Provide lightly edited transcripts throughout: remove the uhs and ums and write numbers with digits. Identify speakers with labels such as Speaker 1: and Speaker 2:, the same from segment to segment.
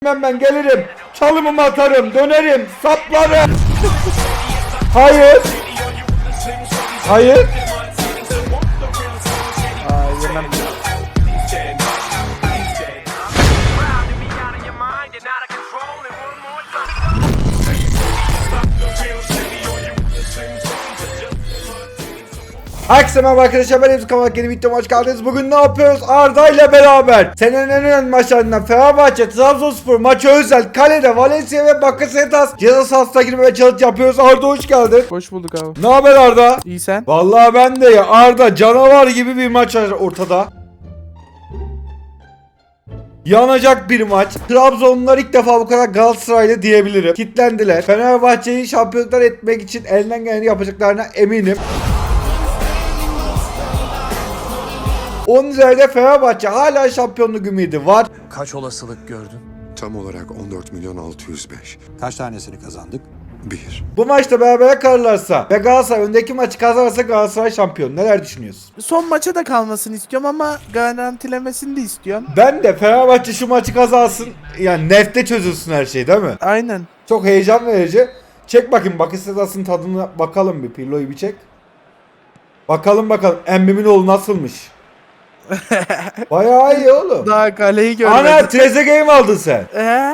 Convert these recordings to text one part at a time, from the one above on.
Speaker 1: Ben gelirim. Çalımımı atarım. Dönerim. Saplarım. Hayır. Hayır.
Speaker 2: Yemem.
Speaker 1: Herkese merhaba arkadaşlar, ben Emre Kamalak, yeni videoma hoş geldiniz. Bugün ne yapıyoruz? Arda ile beraber senenin en önemli maçlarından Fenerbahçe, Trabzonspor maçı özel kalede Valencia ve Bakasetas ceza sahasına girmeye challenge yapıyoruz. Arda hoş geldin.
Speaker 2: Hoş bulduk abi.
Speaker 1: Ne haber Arda?
Speaker 2: İyi sen?
Speaker 1: Vallahi ben de ya. Arda canavar gibi bir maç var ortada. Yanacak bir maç. Trabzonlular ilk defa bu kadar Galatasaraylı diyebilirim. Kitlendiler. Fenerbahçe'yi şampiyonlar etmek için elinden geleni yapacaklarına eminim. Onun üzerinde Fenerbahçe hala şampiyonluk ümidi var.
Speaker 3: Kaç olasılık gördün?
Speaker 4: Tam olarak 14 milyon 605.
Speaker 3: Kaç tanesini kazandık?
Speaker 4: 1.
Speaker 1: Bu maçta berabere kalırlarsa ve Galatasaray öndeki maçı kazanırsa Galatasaray şampiyon. Neler düşünüyorsun?
Speaker 2: Son maça da kalmasını istiyorum ama garantilemesini de istiyorum.
Speaker 1: Ben de Fenerbahçe şu maçı kazansın. Yani nefte çözülsün her şey, değil mi?
Speaker 2: Aynen.
Speaker 1: Çok heyecan verici. Çek bakayım, Bakasetas'ın tadına bakalım bir. Pirlo'yu bir çek. Bakalım. Embim'in oğlu nasılmış? Bayağı iyi oğlum.
Speaker 2: Daha kaleyi görmedim.
Speaker 1: Ana, Trezeguet'i mi aldın sen?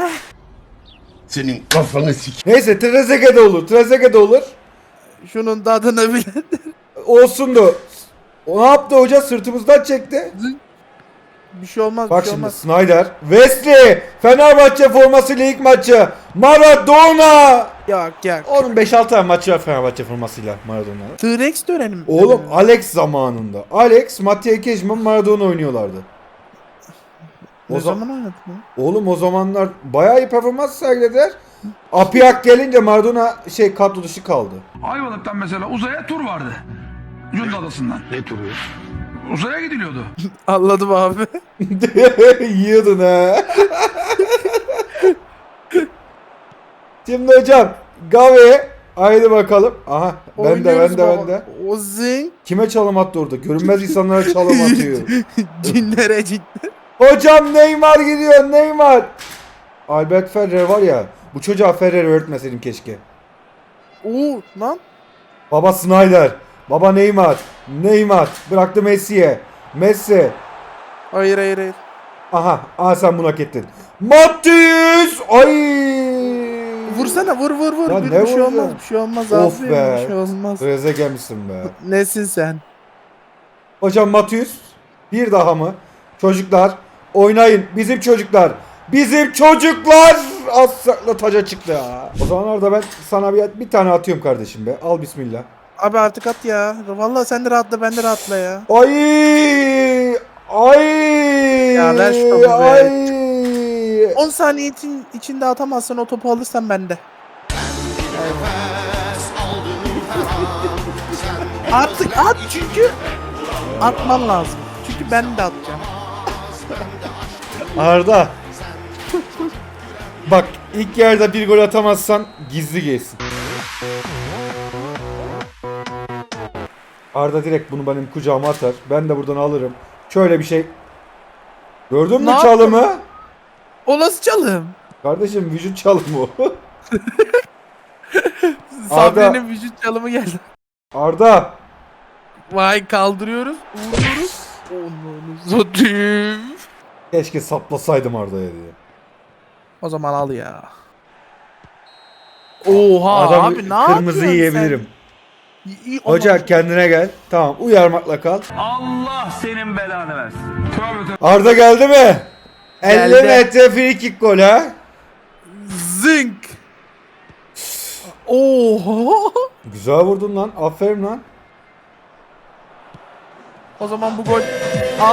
Speaker 4: Senin kafanı sik.
Speaker 1: Neyse, Trezeguet de olur.
Speaker 2: Şunun tadını bile.
Speaker 1: Olsun da. O ne yaptı hoca? Sırtımızdan çekti.
Speaker 2: Bir şey olmaz.
Speaker 1: Bak
Speaker 2: bir şey
Speaker 1: şimdi
Speaker 2: olmaz.
Speaker 1: Snyder. Wesley. Fenerbahçe formasıyla ilk maçı. Maradona.
Speaker 2: Yok.
Speaker 1: Onun 5-6 tane maçı var Fenerbahçe formasıyla Maradona'nın.
Speaker 2: T-Rex dönelim.
Speaker 1: Oğlum Alex zamanında. Alex, Mattia Kejman, Maradona oynuyorlardı.
Speaker 2: Ne
Speaker 1: o
Speaker 2: zaman oynadın ya?
Speaker 1: Oğlum o zamanlar bayağı iyi performans sergilediler. Apiak gelince Maradona kadro dışı kaldı.
Speaker 5: Ayvalık'tan mesela uzaya tur vardı. Cunda Adası'ndan.
Speaker 4: Ne turu?
Speaker 5: Uzaya gidiliyordu.
Speaker 2: Anladım abi.
Speaker 1: Yiyordun ha. Şimdi hocam Gavi, haydi bakalım. Aha, ben de.
Speaker 2: O zing.
Speaker 1: Kime çalım attı orada? Görünmez insanlara çalım atıyor.
Speaker 2: Cinlere.
Speaker 1: Hocam Neymar gidiyor, Neymar. Albert Ferrer var ya, bu çocuğa Ferrer öğretmeseydim keşke.
Speaker 2: Oo lan.
Speaker 1: Baba Snyder, baba Neymar bıraktı Messi'ye. Messi.
Speaker 2: Hayır.
Speaker 1: Aha sen bunu hak ettin. Matius! Ay!
Speaker 2: Vursana vur.
Speaker 1: Lan
Speaker 2: Bir
Speaker 1: ne
Speaker 2: şey
Speaker 1: vuracağım?
Speaker 2: olmaz. Bir şey olmaz
Speaker 1: Of
Speaker 2: abi.
Speaker 1: be.
Speaker 2: Bir şey olmaz.
Speaker 1: Trezeguet misin be?
Speaker 2: Nesin sen?
Speaker 1: Hocam Matius bir daha mı? Çocuklar oynayın, bizim çocuklar asla taca çıktı ya. O zamanlarda ben sana bir tane atıyorum kardeşim be. Al bismillah.
Speaker 2: Abi artık at ya. Vallahi sen de rahatla ben de rahatla ya.
Speaker 1: Ay!
Speaker 2: Ya ver şu topu be.
Speaker 1: Ay!
Speaker 2: 10 saniye içinde atamazsan o topu alırsan bende. Artık at çünkü atman lazım. Çünkü ben de atacağım.
Speaker 1: Arda. Bak, ilk yarıda bir gol atamazsan gizli gelsin. Arda direkt bunu benim kucağıma atar. Ben de buradan alırım. Şöyle bir şey. Gördün mü
Speaker 2: Ne
Speaker 1: çalımı?
Speaker 2: O nasıl çalım?
Speaker 1: Kardeşim vücut çalımı o.
Speaker 2: Sabri'nin vücut çalımı geldi.
Speaker 1: Arda.
Speaker 2: Vay kaldırıyoruz. Vuruyoruz. Onu satayım.
Speaker 1: Keşke saplasaydım Arda'ya diye.
Speaker 2: O zaman al ya. Oha abi ne yapıyorsun
Speaker 1: kırmızı yiyebilirim.
Speaker 2: sen? İyi,
Speaker 1: Hoca kendine gel. Tamam, uyarmakla kal.
Speaker 5: Allah senin belanı versin. Tövbe.
Speaker 1: Arda geldi mi? 50
Speaker 2: Geldi.
Speaker 1: metre free kick gol ha.
Speaker 2: Zınk. Oha.
Speaker 1: Güzel vurdun lan. Aferin lan.
Speaker 2: O zaman bu gol al.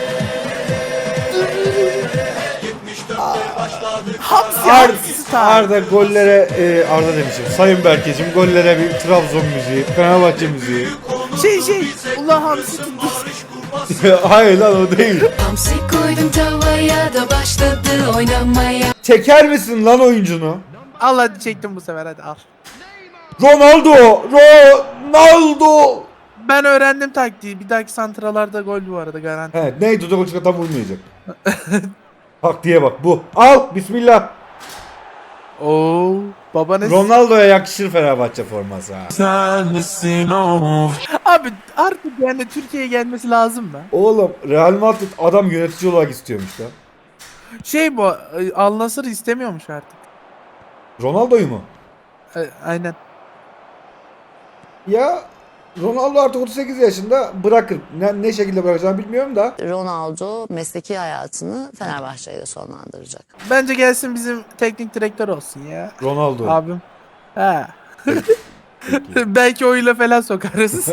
Speaker 2: Hamsi style.
Speaker 1: Arda gollere Arda demişim. Sayın Berkeciğim, gollere bir Trabzon müziği, Fenerbahçe müziği.
Speaker 2: Ulan hamsi tuttu.
Speaker 1: Hayır lan, o değil.
Speaker 6: Hamsi koydum tavaya da başladı oynamaya.
Speaker 1: Çeker misin lan oyuncunu?
Speaker 2: Al hadi çektim bu sefer hadi al.
Speaker 1: Ronaldo.
Speaker 2: Ben öğrendim taktiği. Bir dahaki santralarda gol bu arada garanti.
Speaker 1: He, neydi o, tam vurmayacak. Taktiğe bak bu. Al bismillah.
Speaker 2: Oo, baba ne?
Speaker 1: Ronaldo'ya yakışır Fenerbahçe forması ha.
Speaker 2: Abi artık yani Türkiye'ye gelmesi lazım mı?
Speaker 1: Oğlum Real Madrid adam yönetici olarak istiyormuş lan.
Speaker 2: Şey bu Al Nassr istemiyormuş artık.
Speaker 1: Ronaldo'yu mu?
Speaker 2: Aynen.
Speaker 1: Ya Ronaldo artık 38 yaşında bırakır. Ne şekilde bırakacağını bilmiyorum da.
Speaker 7: Ronaldo mesleki hayatını Fenerbahçe'yle sonlandıracak.
Speaker 2: Bence gelsin bizim teknik direktör olsun ya.
Speaker 1: Ronaldo.
Speaker 2: Abim. He. Belki oyuyla falan sokarız.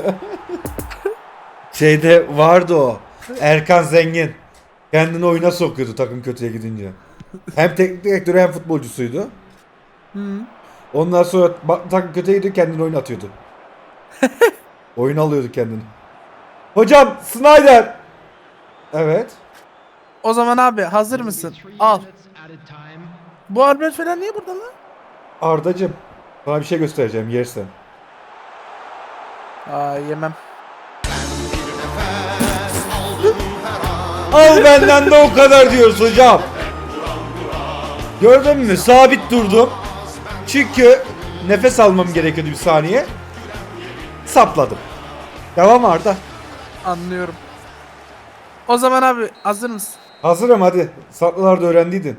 Speaker 1: Şeyde vardı o. Erkan Zengin. Kendini oyuna sokuyordu takım kötüye gidince. Hem teknik direktörü hem futbolcusuydu. Ondan sonra takım kötüye gidiyor kendini oyuna atıyordu. Oyun alıyordu kendini. Hocam Snyder. Evet.
Speaker 2: O zaman abi hazır mısın? Al. Bu Albert falan niye burada lan?
Speaker 1: Ardacım. Sana bir şey göstereceğim yersen.
Speaker 2: Aa yemem.
Speaker 1: Al benden de o kadar diyoruz hocam. Gördün mü? Sabit durdum. Çünkü nefes almam gerekiyordu bir saniye. Sapladım. Devam Arda.
Speaker 2: Anlıyorum. O zaman abi hazır mısın?
Speaker 1: Hazırım hadi. Saklılarda öğrendiydin.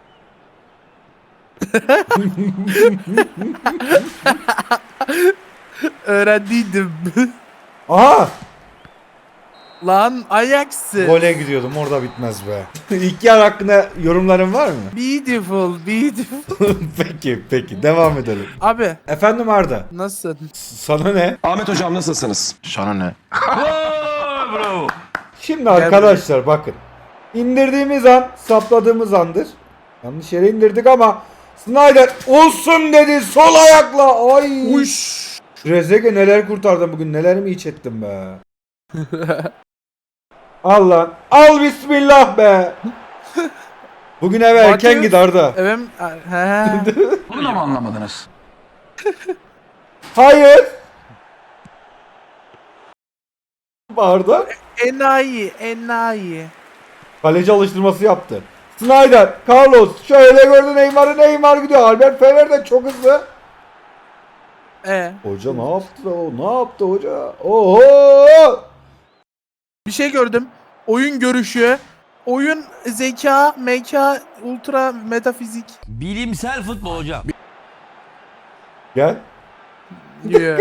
Speaker 2: Öğrendiydim.
Speaker 1: Aha!
Speaker 2: Lan Ajax'ı.
Speaker 1: Gole gidiyordum orada bitmez be. İlk yarı hakkında yorumların var mı?
Speaker 2: Beautiful, beautiful.
Speaker 1: Peki devam edelim.
Speaker 2: Abi
Speaker 1: Efendim Arda.
Speaker 2: nasılsın?
Speaker 1: Sana ne?
Speaker 4: Ahmet hocam nasılsınız?
Speaker 3: Sana ne?
Speaker 5: Bravo.
Speaker 1: Şimdi arkadaşlar bakın. İndirdiğimiz an sapladığımız andır. Yanlış yere indirdik ama Snyder olsun dedi sol ayakla. Ay.
Speaker 2: Uş.
Speaker 1: Rezege neler kurtardım bugün, neler mi iç ettim be. Al lan. Al bismillah be. Bugün eve erken
Speaker 2: Mateus-
Speaker 1: git Arda.
Speaker 2: Evet. He.
Speaker 5: Bunu da mı anlamadınız?
Speaker 1: Hayır. Arda.
Speaker 2: Enayi, enayi.
Speaker 1: Kaleci alıştırması yaptı. Snyder, Carlos şöyle gördü Neymar gidiyor. Albert Ferrer de çok hızlı. Hoca ne yaptı o? Ne yaptı hoca? Oho!
Speaker 2: Bir şey gördüm. Oyun görüşü, oyun zeka, meka, ultra metafizik.
Speaker 8: Bilimsel futbol hocam.
Speaker 1: Gel.
Speaker 2: Yeah.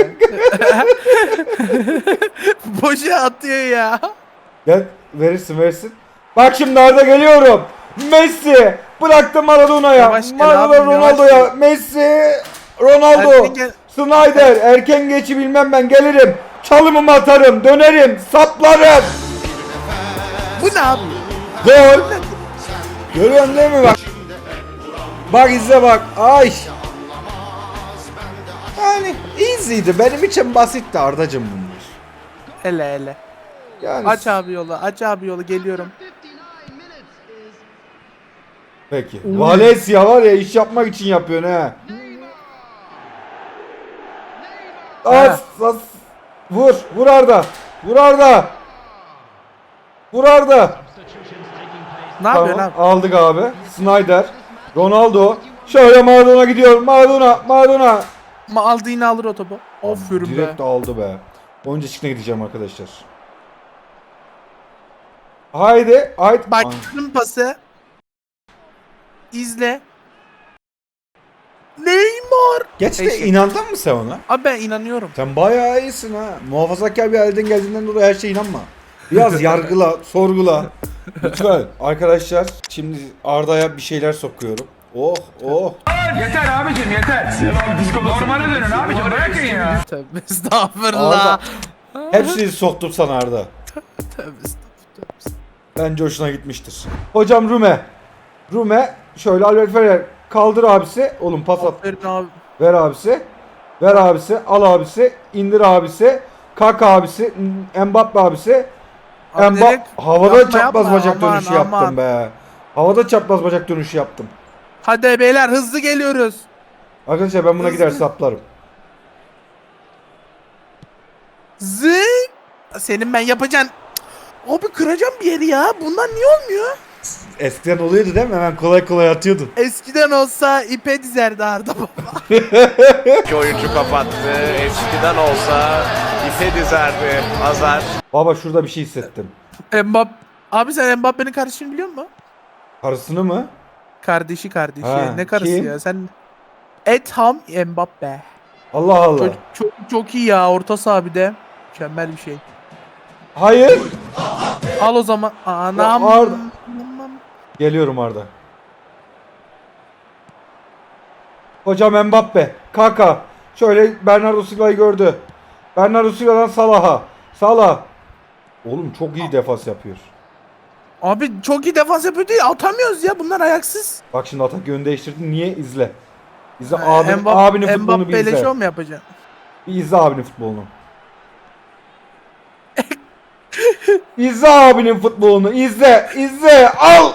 Speaker 2: Boşa atıyor ya.
Speaker 1: Gel verirsin. Bak şimdi Arda geliyorum. Messi bıraktı Maradona'ya.
Speaker 2: Yavaş gel
Speaker 1: Maradona
Speaker 2: abim,
Speaker 1: Ronaldo'ya.
Speaker 2: yavaş
Speaker 1: Messi Ronaldo.
Speaker 2: Erken gel.
Speaker 1: Snyder erken geçi bilmem ben gelirim. Çalımımı atarım, dönerim, saplarım.
Speaker 2: Bu ne abi?
Speaker 1: Gol. Görüyorsun değil mi bak? Bak izle bak. Ay. Yani easy'di. Benim için basitti Ardacım bunlar.
Speaker 2: Ele.
Speaker 1: Yani
Speaker 2: Aç abi yolu, geliyorum.
Speaker 1: peki. Valencia var ya iş yapmak için yapıyor ne? As. Vur Arda. Vur Arda.
Speaker 2: Ne yapıyorsun abi?
Speaker 1: Aldık abi. Snyder. Ronaldo. Şöyle Maradona gidiyor. Maradona.
Speaker 2: Aldı yine alır o topu. Aferin be.
Speaker 1: Direkt aldı be. Oyuncu çıkına gideceğim arkadaşlar. Haydi.
Speaker 2: Bak pası. İzle. Neymar.
Speaker 1: Gerçekten
Speaker 2: Eşek.
Speaker 1: inandın mı sen ona?
Speaker 2: Abi ben inanıyorum.
Speaker 1: Sen bayağı iyisin ha. Muhafazakar bir aileden geldiğinden dolayı her şeye inanma. Biraz yargıla, sorgula. Lütfen. Arkadaşlar şimdi Arda'ya bir şeyler sokuyorum. Oh.
Speaker 5: Yeter abicim yeter. Normale dönün abicim bırakın ya.
Speaker 2: Tövbe estağfurullah.
Speaker 1: Arda. Hepsini soktum sana Arda.
Speaker 2: Tövbe estağfurullah.
Speaker 1: Bence hoşuna gitmiştir. Hocam Rume şöyle Albert Ferrer kaldır abisi. Oğlum pas at.
Speaker 2: Aferin abi.
Speaker 1: Ver abisi. Al abisi. İndir abisi. Kalk abisi. Mbappe abisi.
Speaker 2: Abi direkt
Speaker 1: Havada
Speaker 2: yapma,
Speaker 1: çapraz
Speaker 2: yapma.
Speaker 1: bacak
Speaker 2: Aman,
Speaker 1: dönüşü yaptım
Speaker 2: aman.
Speaker 1: be. Havada çapraz bacak dönüşü yaptım.
Speaker 2: Hadi beyler hızlı geliyoruz.
Speaker 1: Arkadaşlar ben buna
Speaker 2: Hızlı.
Speaker 1: gider saplarım.
Speaker 2: Zing. Senin ben yapacaksın. Abi kıracağım bir yeri ya. Bundan niye olmuyor?
Speaker 1: Eskiden oluyordu değil mi? Hemen kolay kolay atıyordun.
Speaker 2: Eskiden olsa ipe dizerdi Arda baba.
Speaker 9: İki oyuncu kapattı. Eskiden olsa ipe dizerdi Hazar.
Speaker 1: Baba şurada bir şey hissettim.
Speaker 2: Abi sen Mbappe'nin kardeşini biliyor musun?
Speaker 1: Karısını mı?
Speaker 2: Kardeşi.
Speaker 1: Ha,
Speaker 2: Ne karısı
Speaker 1: kim?
Speaker 2: ya? Sen Etham Mbappe.
Speaker 1: Allah Allah.
Speaker 2: Çok iyi ya. Orta saha bir de. Mükemmel bir şey.
Speaker 1: Hayır.
Speaker 2: Al o zaman. Anam.
Speaker 1: Ya Arda. Geliyorum Arda. Hocam Mbappe. Kaka. Şöyle Bernardo Silva'yı gördü. Bernardo Silva'dan Salah'a. Salah. Oğlum çok iyi defans yapıyor.
Speaker 2: Abi çok iyi defans yapıyor değil. Atamıyoruz ya. Bunlar ayaksız.
Speaker 1: Bak şimdi atak yönü değiştirdin. Niye? İzle. İzle abinin futbolunu bir
Speaker 2: Mbappe ile
Speaker 1: izle.
Speaker 2: şov mu yapacaksın?
Speaker 1: Bir izle abinin futbolunu. İzle abinin futbolunu. İzle. Al.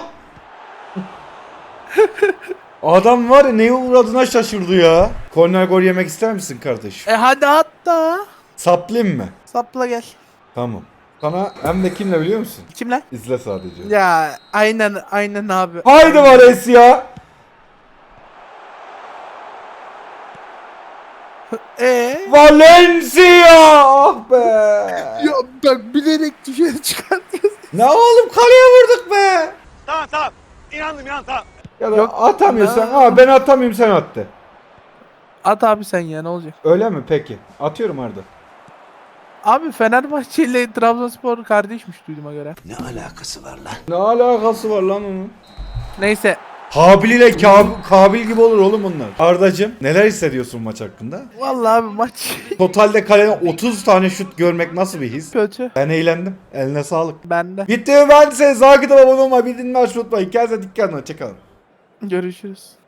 Speaker 1: Adam var ya neye uğradığına şaşırdı ya. Korner gol yemek ister misin kardeş?
Speaker 2: Hadi at da.
Speaker 1: Saplayayım mı?
Speaker 2: Sapla gel.
Speaker 1: Tamam. Sana hem de kimle biliyor musun?
Speaker 2: Kimler?
Speaker 1: İzle sadece.
Speaker 2: Ya aynen abi.
Speaker 1: Haydi Vares ya. Valencia! Ah be.
Speaker 2: Ya bak bilerek dışarı çıkartıyorsun.
Speaker 1: Ne oğlum kaleye vurduk be.
Speaker 9: Tamam. İnandım tamam.
Speaker 1: Ya da
Speaker 2: Yok.
Speaker 1: atamıyorsan ben atamıyorum sen attı.
Speaker 2: At abi sen ya ne olacak?
Speaker 1: Öyle mi peki? Atıyorum Arda.
Speaker 2: Abi Fenerbahçe ile Trabzonspor kardeşmiş duyduğuma göre.
Speaker 3: Ne alakası var lan?
Speaker 1: Ne alakası var lan onun?
Speaker 2: Neyse.
Speaker 1: Habil ile Kabil gibi olur oğlum bunlar. Ardacığım neler hissediyorsun maç hakkında?
Speaker 2: Vallahi abi maç
Speaker 1: Totalde kaleden 30 tane şut görmek nasıl bir his?
Speaker 2: kötü.
Speaker 1: Ben eğlendim. Eline sağlık.
Speaker 2: Bende.
Speaker 1: Bitti mi ben size? Zakıda abone olmayı, bildirimleri açmayı unutmayın. Kendinize dikkat edin. Hoşçakalın.
Speaker 2: Görüşürüz.